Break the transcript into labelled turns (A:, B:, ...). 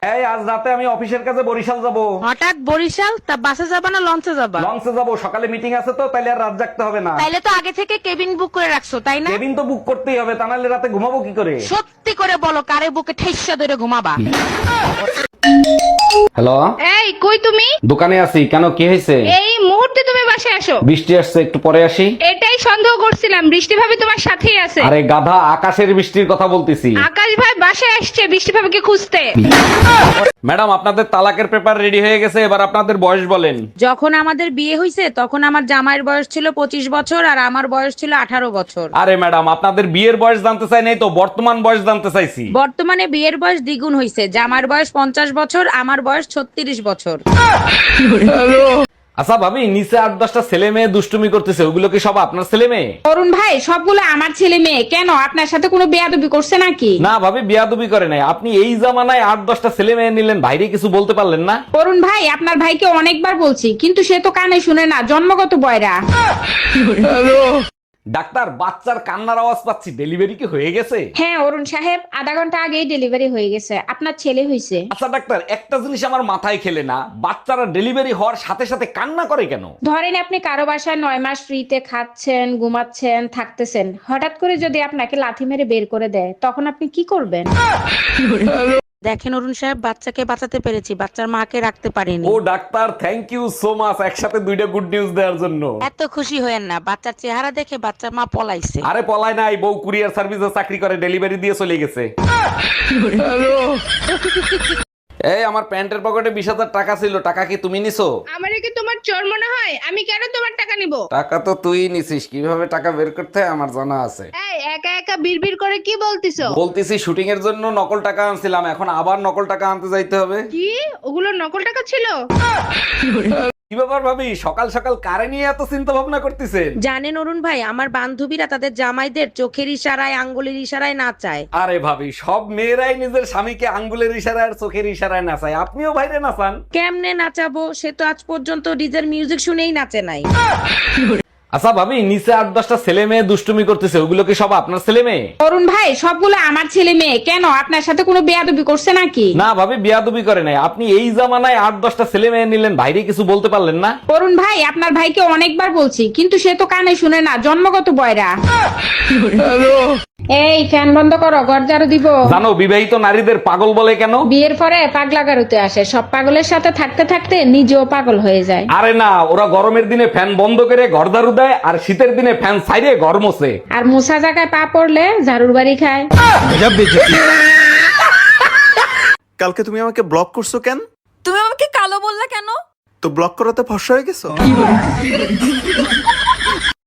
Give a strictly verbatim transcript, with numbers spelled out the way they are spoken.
A: এই আজ রাতে আমি অফিসের কাছে বরিশাল যাব।
B: হঠাৎ বরিশাল? তা বাসে যাবা না লঞ্চে যাবা?
A: লঞ্চে যাব, সকালে মিটিং আছে তো, তাইলে আর রাত জাগতে হবে না।
B: তাইলে তো আগে থেকে কেবিন বুক করে রাখছো তাই না?
A: কেবিন তো বুক করতেই হবে, তা নাহলে রাতে ঘুমাবো কি করে?
B: সত্যি করে বলো, কারে বুকে ঠেসা ধরে ঘুমাবা?
A: হ্যালো,
C: এই কই তুমি?
A: দোকানে আছি। কেন, কি হয়েছে?
C: এই মুহূর্তে তুমি বাসায় আসো।
A: বৃষ্টি আসছে, একটু পরে আসি।
C: এটাই সন্দেহ করছিলাম, বৃষ্টি ভাবি তোমার সাথেই আছে।
A: আরে গাধা, আকাশের বৃষ্টির কথা বলতেছি।
C: আকাশ ভাই বাসায় আসছে বৃষ্টি ভাবিকে খুঁজতে।
A: ম্যাডাম, আপনাদের তালাকের পেপার রেডি হয়ে গেছে, এবার আপনাদের বয়স বলেন।
B: যখন আমাদের বিয়ে হয়েছে তখন আমার জামাইয়ের বয়স ছিল পঁচিশ বছর আর আমার বয়স ছিল আঠারো বছর।
A: আরে ম্যাডাম, আপনাদের বিয়ের বয়স জানতে চাই নাই তো, বর্তমান বয়স জানতে চাইছি।
B: বর্তমানে বিয়ের বয়স দ্বিগুণ হয়েছে, জামার বয়স পঞ্চাশ বছর, আমার বয়স ছত্রিশ বছর।
A: আচ্ছা ভাবি, নিচে আট দশটা ছেলে মেয়ে দুষ্টুমি করতেছে, ওগুলো কি সব আপনার ছেলে মেয়ে?
C: অরুণ ভাই সবগুলো আমার ছেলে মেয়ে। কেন, আপনার সাথে কোনো বেয়াদবি করছে নাকি?
A: না ভাবি, বিয়াদবি করে নাই। আপনি এই জামানায় আট দশটা ছেলে মেয়ে নিলেন, বাইরে কিছু বলতে পারলেন না?
C: অরুণ ভাই আপনার ভাইকে অনেকবার বলছি, কিন্তু সে তো কানে শুনে না, জন্মগত বয়রা।
A: ডাক্তার, বাচ্চার কান্নার আওয়াজ পাচ্ছি, ডেলিভারি কি হয়ে গেছে?
C: হ্যাঁ অরুণ সাহেব, আধা ঘন্টা আগেই ডেলিভারি হয়ে গেছে, আপনার ছেলে হয়েছে।
A: আচ্ছা ডাক্তার, একটা জিনিস আমার মাথায় খেলে না, বাচ্চারা ডেলিভারি হওয়ার সাথে সাথে কান্না করে কেন?
C: ধরেন আপনি কারো বাসায় নয় মাস ফ্রিতে খাচ্ছেন, ঘুমাচ্ছেন, থাকতেছেন, হঠাৎ করে যদি আপনাকে লাথি মেরে বের করে দেয়, তখন আপনি কি করবেন?
B: দেখেন অরুণ সাহেব, বাচ্চাকে বাঁচাতে পেরেছি, বাচ্চার মাকে রাখতে পারিনি।
A: ও doctor, thank you so much, একসাথে দুইটা গুড নিউজ দেওয়ার জন্য।
B: এত খুশি হয়েন না, বাচ্চার চেহারা দেখে বাচ্চার মা পলাইছে।
A: আরে পলায় নাই, বউ কুরিয়ার সার্ভিসে চাকরি করে, ডেলিভারি দিয়ে চলে গেছে। এই আমার প্যান্টের পকেটে বিশ হাজার টাকা ছিল, টাকা কি তুমি নিছো?
C: আমারে কি তোমার চোর মনে হয়? আমি কেন তোমার টাকা নিব?
A: টাকা তো তুই নিছিস, কিভাবে টাকা বের করতে হয় আমার জানা আছে।
C: এই একা একা বিড়বিড় করে কি বলতিছো?
A: বলতেছি শুটিং এর জন্য নকল টাকা আনছিলাম, এখন আবার নকল টাকা আনতে যাইতে হবে।
C: কি ওগুলো নকল টাকা ছিল?
A: কি ব্যাপার ভাবি, সকাল সকাল কারে নিয়ে এত চিন্তা ভাবনা করতেছেন?
B: জানেন অরুণ ভাই, আমার বান্ধবীরা তাদের জামাইদের চোখের ইশারায় আঙ্গুলের ইশারায় নাচায়।
A: আরে ভাবি, সব মেয়েরাই নিজের স্বামীকে আঙ্গুলের ইশারায় আর চোখের ইশারায় নাচায়, আপনিও বাইরে নাচান।
B: কেমনে নাচাবো? সে তো আজ পর্যন্ত ডিজের মিউজিক শুনেই নাচে নাই।
A: আচ্ছা ভাবি, নিচে আট দশটা ছেলে মেয়ে দুষ্টুমি করতেছে, ওগুলো কি সব আপনার ছেলে মেয়ে?
C: অরুণ ভাই সবগুলো আমার ছেলে মেয়ে। কেন, আপনার সাথে কোনো বেয়াদবি করছে নাকি?
A: না ভাবি, বিয়াদবি করে নাই। আপনি এই জামানায় আট দশটা ছেলে মেয়ে নিলেন, বাইরে কিছু বলতে পারলেন না?
C: অরুণ ভাই আপনার ভাইকে অনেকবার বলছি, কিন্তু সে তো কানে শুনে না, জন্মগত বয়রা। এই ফ্যান বন্ধ করো, ঘর ঝাড়ু দিব।
A: জানো বিবাহিত নারীদের পাগল বলে কেন?
C: বিয়ের পরে পাগলা গারুতে আসে, সব পাগলের সাথে থাকতে থাকতে নিজেও পাগল হয়ে যায়।
A: আরে না, ওরা গরমের দিনে ফ্যান বন্ধ করে ঘর ঝাড়ু দেয়, আর শীতের দিনে ফ্যান ছাইরে ঘর মোছে।
C: আর মুসা জায়গায় পা পড়লে ঝাড়ুর বাড়ি খায়।
D: কালকে তুমি আমাকে ব্লক করছো কেন?
E: তুমি আমাকে কালো বললা কেন?
D: তো ব্লক করাতে ফর্সা হয়ে গেছো?